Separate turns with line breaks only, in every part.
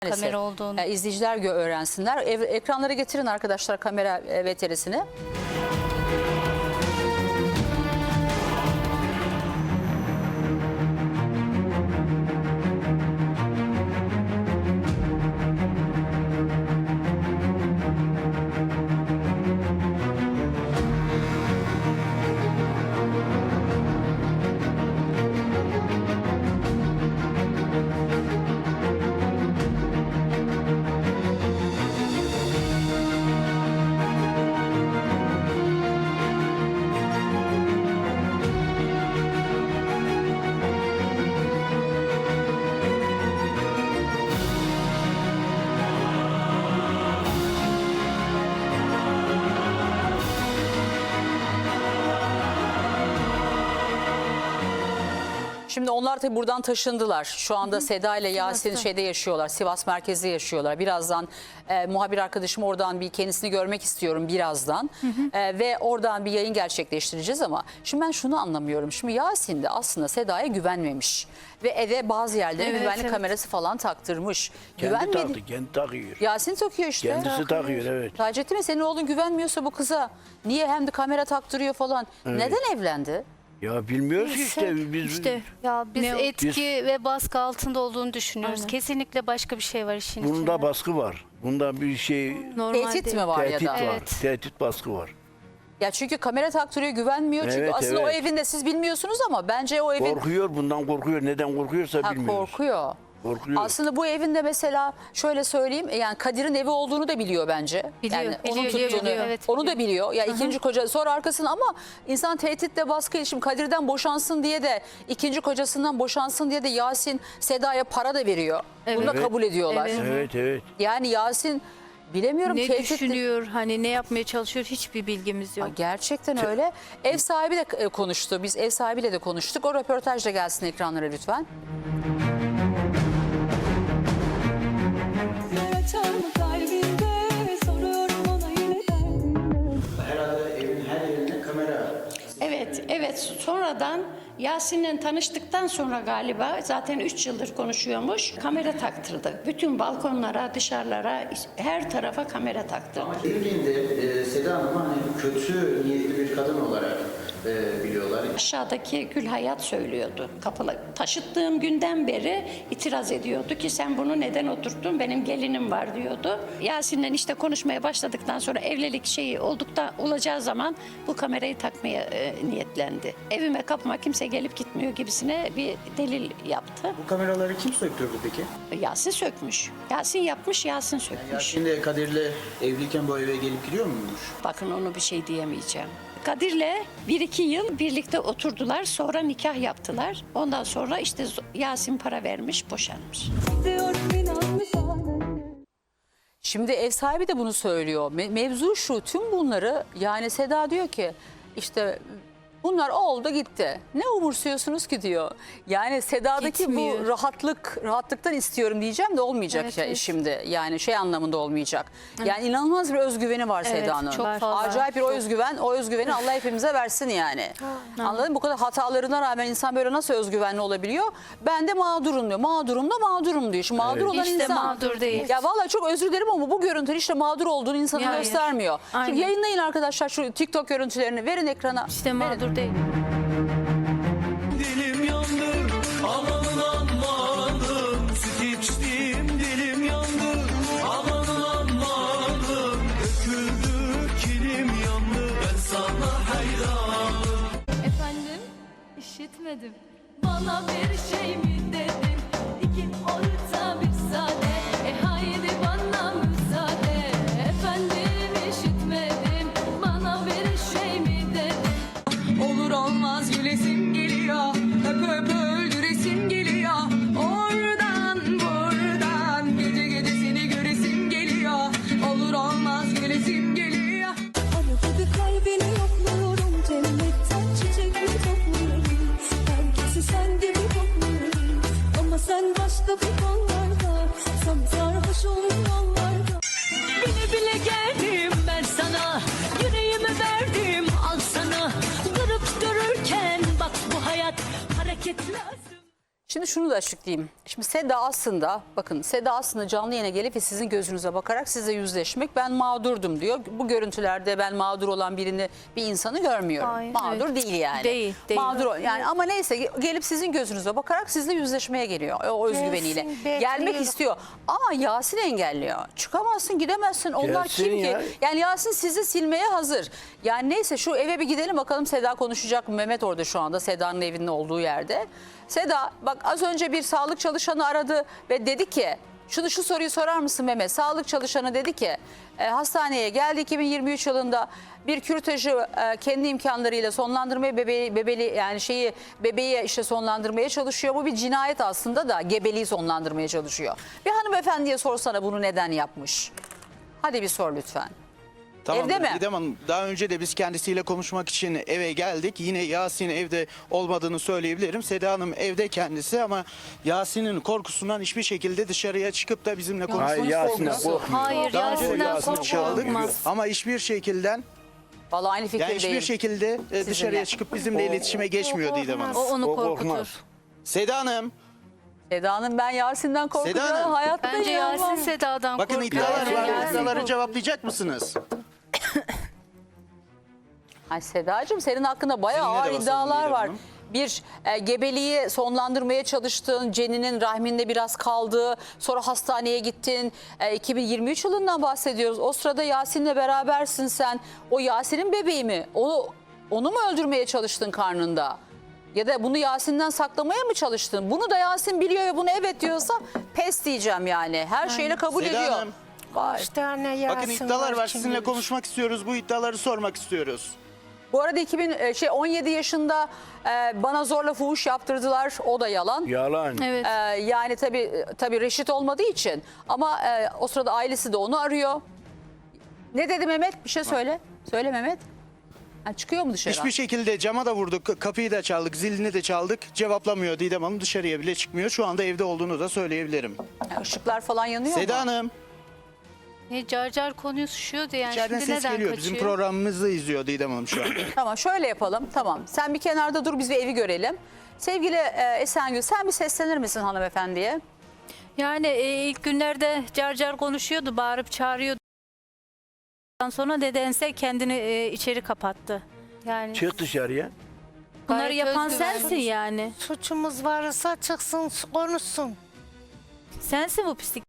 Kamera olduğunu.
İzleyiciler öğrensinler. Ekranlara getirin arkadaşlar kamera VTR'sini. Şimdi onlar tabii buradan taşındılar. Şu anda Seda ile Yasin şeyde yaşıyorlar. Sivas merkezde yaşıyorlar. Birazdan muhabir arkadaşım oradan bir kendisini görmek istiyorum birazdan. Ve oradan bir yayın gerçekleştireceğiz ama şimdi ben şunu anlamıyorum. Şimdi Yasin de aslında Seda'ya güvenmemiş. Ve eve bazı yerlere güvenlik kamerası falan taktırmış.
Kendi taktı, kendi takıyor.
Yasin takıyor işte.
Kendisi takıyor, evet.
Taceddin mi, senin oğlun güvenmiyorsa bu kıza niye hem de kamera taktırıyor falan?
Evet.
Neden evlendi?
Ya bilmiyoruz ki işte biz.
Ya biz
Ne o?
etki ve baskı altında olduğunu düşünüyoruz.
Aynen.
Kesinlikle başka bir şey var işin içinde.
Bunda baskı var. Bunda bir şey
Normal
Tehdit
değil.
mi var
tehdit
ya da?
var.
Evet.
Tehdit baskı var.
Ya çünkü kamera taktırıyor, güvenmiyor. Çünkü
Evet,
aslında o
evet.
evinde siz bilmiyorsunuz ama bence o evin...
Korkuyor, bundan korkuyor. Neden korkuyorsa bilmiyoruz.
Korkuyor.
Korkuyor.
Aslında bu evinde mesela şöyle söyleyeyim, yani Kadir'in evi olduğunu da biliyor bence.
Biliyor,
Yani
biliyor,
onun
biliyor,
tuttuğunu,
biliyor. Evet,
onu da biliyor. Ya ikinci koca sonra arkasını ama insan tehditle baskı, şimdi Kadir'den boşansın diye de ikinci kocasından boşansın diye de Yasin Seda'ya para da veriyor. Bunu da
Evet.
kabul ediyorlar.
Evet.
Evet, evet.
Yani Yasin bilemiyorum,
Ne
tehditle-
düşünüyor, hani ne yapmaya çalışıyor hiçbir bilgimiz yok.
Gerçekten öyle. Ev sahibi de konuştu. Biz ev sahibiyle de konuştuk. O röportaj da gelsin ekranlara lütfen.
Herhalde evin her yerinde kamera.
Evet. Sonradan Yasin'le tanıştıktan sonra galiba zaten 3 yıldır konuşuyormuş. Kamera taktırdı. Bütün balkonlara, dışarılara, her tarafa kamera taktırdı.
Evliliğinde Seda Hanım'ı hani kötü niyetli bir kadın olarak biliyorlar.
Aşağıdaki Gül Hayat söylüyordu. Kapıla taşıttığım günden beri itiraz ediyordu ki sen bunu neden oturttun, benim gelinim var diyordu. Yasin'le işte konuşmaya başladıktan sonra evlilik şeyi olacağı zaman bu kamerayı takmaya niyetlendi. Evime kapıma kimse gelip gitmiyor gibisine bir delil yaptı.
Bu kameraları kim söktürdü peki?
Yasin sökmüş. Yasin yapmış, Yasin sökmüş.
Yasin de Kadir'le evliyken bu eve gelip gidiyor muymuş?
Bakın onu bir şey diyemeyeceğim. Kadir'le 1-2 yıl birlikte oturdular. Sonra nikah yaptılar. Ondan sonra işte Yasin para vermiş, boşanmış.
Şimdi ev sahibi de bunu söylüyor. Mevzu şu, tüm bunları yani Seda diyor ki işte bunlar oldu gitti. Ne umursuyorsunuz ki diyor. Yani Seda'daki
Gitmiyor.
bu rahatlıktan istiyorum diyeceğim de olmayacak
Evet,
ya
evet.
şimdi. Yani şey anlamında olmayacak. Yani inanılmaz bir özgüveni var
Evet,
Seda'nın.
çok fazla.
Acayip bir o özgüveni Allah hepimize versin yani. Anladın mı? Bu kadar hatalarına rağmen insan böyle nasıl özgüvenli olabiliyor? Ben de mağdurum diyor. Mağdurum diyor. Şimdi mağdur olan
Hiç de
insan.
mağdur değil.
Ya vallahi çok özür dilerim ama bu görüntü işte mağdur olduğunu insana
Hayır.
göstermiyor.
Aynen.
Şimdi yayınlayın arkadaşlar şu TikTok görüntülerini, verin ekrana.
İşte
Verin.
mağdur değil.
Dilim yandı, amanın amanın. Süt içtim, dilim yandı, amanın amanın. Döküldü, kilim yandı, ben sana hayranım.
Efendim, işitmedim. Bana bir şey mi dedin? İki orta bir sade. Haydi bana müsaade. Efendim, işitmedim. Bana bir şey mi dedin?
Olur olmaz gülesim geliyor, öp öldüresim geliyor. Oradan buradan gece gece seni göresim geliyor. Olur olmaz gülesim geliyor.
Arada bir kalbini yokluyorum, cennetten çiçek mi topluyorum. Herkesi sen gibi topluyorum, ama sen başka bir kollarda. Sana sarhoş olur yollarda.
Bile bile geldim ben sana. Yüreğimi verdim al sana. Durup dururken bak bu hayat hareket lazım.
Şimdi şunu da açıklayayım. Şimdi Seda aslında, bakın Seda aslında canlı yayına gelip ve sizin gözünüze bakarak size yüzleşmek, ben mağdurdum diyor. Bu görüntülerde ben mağdur olan bir insanı görmüyorum.
Hayır,
mağdur değil yani.
Değil.
Mağdur yani, ama neyse gelip sizin gözünüze bakarak sizle yüzleşmeye geliyor o özgüveniyle. Gelmek istiyor ama Yasin engelliyor. Çıkamazsın, gidemezsin. Onlar
Gelsin
kim
ya.
ki? Yani Yasin sizi silmeye hazır. Yani neyse şu eve bir gidelim bakalım, Seda konuşacak mı? Mehmet orada şu anda Seda'nın evinin olduğu yerde. Seda bak, az önce bir sağlık çalışanı aradı ve dedi ki, şu soruyu sorar mısın Mehmet? Sağlık çalışanı dedi ki hastaneye geldi 2023 yılında, bir kürtajı kendi imkanlarıyla sonlandırmaya, bebeği işte sonlandırmaya çalışıyor. Bu bir cinayet aslında da, gebeliği sonlandırmaya çalışıyor. Bir hanımefendiye sorsana bunu neden yapmış? Hadi bir sor lütfen.
Tamam,
Evde mi?
Didem Hanım, daha önce de biz kendisiyle konuşmak için eve geldik. Yine Yasin evde olmadığını söyleyebilirim. Seda Hanım evde kendisi, ama Yasin'in korkusundan hiçbir şekilde dışarıya çıkıp da bizimle
Hayır,
konuşmayı
Yasin'den
korkmuyor.
korkmuyor.
Hayır,
Daha önce de
Yasin'den
Yasin'i çağırdık
korkulmaz.
ama hiçbir şekilde
Vallahi aynı
yani hiçbir
fikirdeyim.
şekilde dışarıya çıkıp bizimle iletişime geçmiyor Didem Hanım.
O onu
O
korkutur.
korkmaz.
Seda Hanım,
Seda'nın ben Yasin'den korkuyorum.
Seda Hanım.
Hayatta
Bence
inanmam.
Yasin Seda'dan
bakın
korkuyor.
iddialar var.
Yasin
İddiaları cevaplayacak mısınız?
Ay Sedacığım, senin hakkında bayağı
Sizinle de
ağır
basalım
iddialar
Didem
var.
Hanım.
Bir gebeliği sonlandırmaya çalıştın, Ceninin rahminde biraz kaldı, sonra hastaneye gittin. 2023 yılından bahsediyoruz. O sırada Yasin'le berabersin sen. O Yasin'in bebeği mi? Onu mu öldürmeye çalıştın karnında? Ya da bunu Yasin'den saklamaya mı çalıştın? Bunu da Yasin biliyor ve bunu evet diyorsa pes diyeceğim yani. Her şeyle kabul
Seda
ediyor.
Hanım,
Vay.
bakın iddialar var. Sizinle konuşmak istiyoruz. Bu iddiaları sormak istiyoruz.
Bu arada 17 yaşında bana zorla fuhuş yaptırdılar. O da yalan.
Yalan.
Evet.
Yani tabii reşit olmadığı için, ama o sırada ailesi de onu arıyor. Ne dedi Mehmet? Bir şey söyle. Söyle Mehmet. Ha, çıkıyor mu dışarı?
Hiçbir şekilde cama da vurduk, kapıyı da çaldık, zilini de çaldık. Cevaplamıyor Didem Hanım, dışarıya bile çıkmıyor. Şu anda evde olduğunu da söyleyebilirim.
Ha, ışıklar falan yanıyor
Seda
mu?
Hanım,
Ne car konuşuyordu yani.
içeriden
Şimdi
ses
neden
geliyor.
kaçıyor?
Bizim programımızı izliyor Didem Hanım şu an.
Tamam, şöyle yapalım. Tamam. Sen bir kenarda dur, biz bir evi görelim. Sevgili Esengül, sen bir seslenir misin hanımefendiye?
Yani ilk günlerde car konuşuyordu, bağırıp çağırıyordu. Ondan sonra nedense kendini içeri kapattı.
Yani
Çık dışarıya.
Bunları
Gayet
yapan
özgüvenli.
sensin yani.
Suçumuz varsa çıksın konuşsun.
Sensin bu pislik.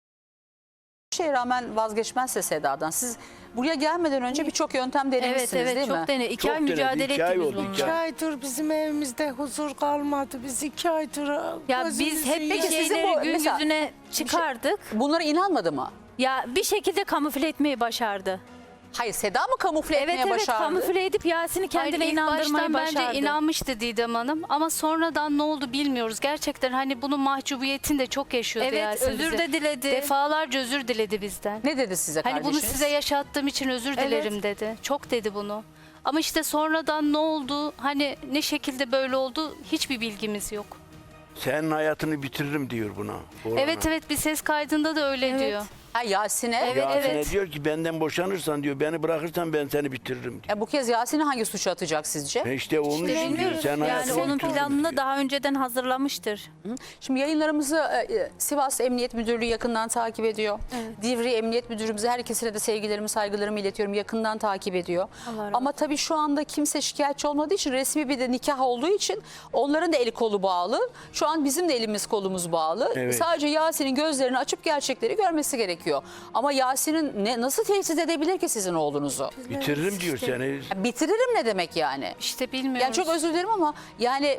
Bir şeye rağmen vazgeçmezse Seda'dan. Siz buraya gelmeden önce birçok yöntem denemişsiniz
Evet
değil mi?
çok dene. 2
Çok
ay
denedi,
mücadele
2 ay
ettik biz
oldu,
bununla.
2
2 aydır bizim evimizde huzur kalmadı. Biz 2 aydır
Ya biz
gözümüzü
hep bir
Peki sizin
şeyleri
bu-
gün
mesela-
yüzüne çıkardık.
Bunlara inanmadı mı?
Ya bir şekilde kamufle etmeyi başardı.
Hayır, Seda mı kamufle
Evet
etmeye başardı?
kamufle edip Yasin'i kendine
Hayır, ilk
inandırmayı
baştan
başardı.
bence inanmıştı Didem Hanım ama sonradan ne oldu bilmiyoruz. Gerçekten hani bunun mahcubiyetini de çok yaşıyordu
Evet,
Yasin
özür
bize.
de diledi.
Defalarca özür diledi bizden.
Ne dedi size
Hani
kardeşiniz?
bunu size yaşattığım için özür dilerim dedi. Çok dedi bunu. Ama işte sonradan ne oldu, hani ne şekilde böyle oldu hiçbir bilgimiz yok.
Senin hayatını bitiririm diyor buna. oğlana.
Evet bir ses kaydında da öyle diyor.
Ha, Yasin'e.
Yasin'e diyor ki benden boşanırsan diyor, beni bırakırsan ben seni bitiririm diyor.
Bu kez Yasin'i hangi suçu atacak sizce?
İşte onun için diyor, sen
Yani
hayatını
onun
bitiririm
planını
diyor.
daha önceden hazırlamıştır.
Şimdi yayınlarımızı Sivas Emniyet Müdürlüğü yakından takip ediyor. Divri Emniyet Müdürümüze, her ikisine de sevgilerimi, saygılarımı iletiyorum. Yakından takip ediyor.
Allah razı
Ama tabii şu anda kimse şikayetçi olmadığı için, resmi bir de nikah olduğu için onların da eli kolu bağlı. Şu an bizim de elimiz kolumuz bağlı.
Evet.
Sadece Yasin'in gözlerini açıp gerçekleri görmesi gerekiyor. Ama Yasin'in nasıl tehdit edebilir ki sizin oğlunuzu?
Bitiririm diyor seni.
Ya bitiririm ne demek yani?
İşte bilmiyoruz.
Yani çok özür dilerim ama yani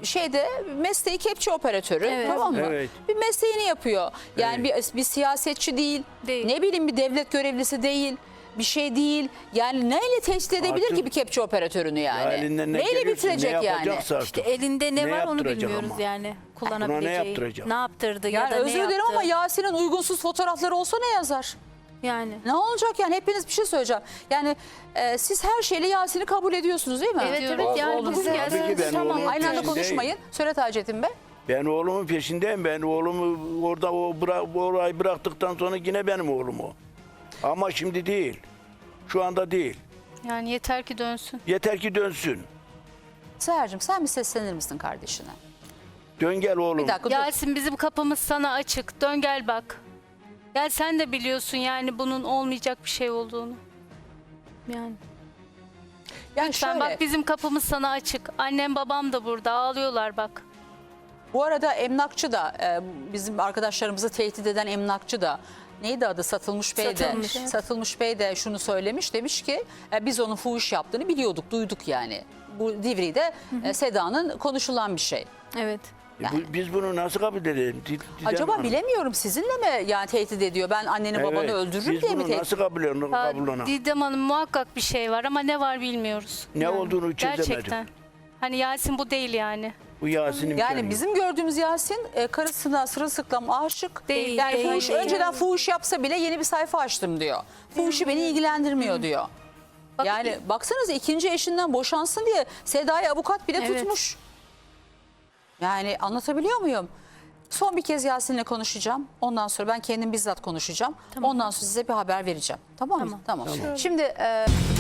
mesleği kepçe operatörü,
Evet.
tamam mı?
Evet.
Bir mesleğini yapıyor. Yani bir siyasetçi değil,
Değil.
ne bileyim bir devlet görevlisi değil, bir şey değil. Yani neyle tehdit edebilir
Artık-
ki bir kepçe operatörünü yani?
Ya elinden ne
Neyle
geliyorsa,
bitirecek
ne
yani?
yapacaksa artık.
İşte elinde ne,
Ne
var onu
yaptıracak
bilmiyoruz
ama?
yani kullanabileceği.
Buna ne yaptıracak?
Ne yaptırdı ya
Yani
da ne
özür dilerim
yaptı.
ama Yasin'in uygunsuz fotoğrafları olsa ne yazar?
Yani.
Ne olacak yani? Hepiniz bir şey söyleyeceğim. Yani siz her şeyle Yasin'i kabul ediyorsunuz değil mi?
Evet
Diyorum.
evet yani
Oldu.
bugün
Tabii
geldi.
ki ben
Tamam,
oğlumun
aynı anda
peşindeyim.
konuşmayın. Söyle Taceddin Bey.
Ben oğlumun peşindeyim. Ben oğlumu orada orayı bıraktıktan sonra yine benim oğlum o. Ama şimdi değil. Şu anda değil.
Yani yeter ki dönsün.
Yeter ki dönsün.
Seher'cim sen bir seslenir misin kardeşine?
Dön gel oğlum.
Bir dakika dur.
Yasin bizim kapımız sana açık. Dön gel bak. Gel sen de biliyorsun yani bunun olmayacak bir şey olduğunu. Yani.
Yani
Sen
şöyle,
bak bizim kapımız sana açık. Annem babam da burada ağlıyorlar bak.
bu arada emlakçı da bizim arkadaşlarımızı tehdit eden emlakçı da neydi adı Satılmış Bey de.
Satılmış.
Satılmış Bey de şunu söylemiş, demiş ki biz onun fuhuş yaptığını biliyorduk, duyduk yani. Bu Divri'de Seda'nın konuşulan bir şey.
Evet.
Biz bunu nasıl kabul edelim? Didem
Acaba
Hanım.
bilemiyorum, sizinle mi yani tehdit ediyor? Ben anneni babanı
Evet,
öldürürüm
biz
diye mi
bunu
tehdit?
nasıl kabul ona?
Didem Hanım muhakkak bir şey var ama ne var bilmiyoruz.
Ne olduğunu çözemedim.
Gerçekten. Hani Yasin bu değil yani.
Bu Yasin'in
Yani bizim gördüğümüz Yasin karısına sırılsıklam aşık.
Değil,
Yani
değil,
fuhuş,
değil.
önceden fuhuş yapsa bile yeni bir sayfa açtım diyor. Fuhuşu beni ilgilendirmiyor diyor.
Bak-
Yani baksanıza ikinci eşinden boşansın diye Seda'yı avukat bile
Evet.
tutmuş. Yani anlatabiliyor muyum? Son bir kez Yasin'le konuşacağım. Ondan sonra ben kendim bizzat konuşacağım. Ondan sonra size bir haber vereceğim. Tamam mı? Tamam. Şimdi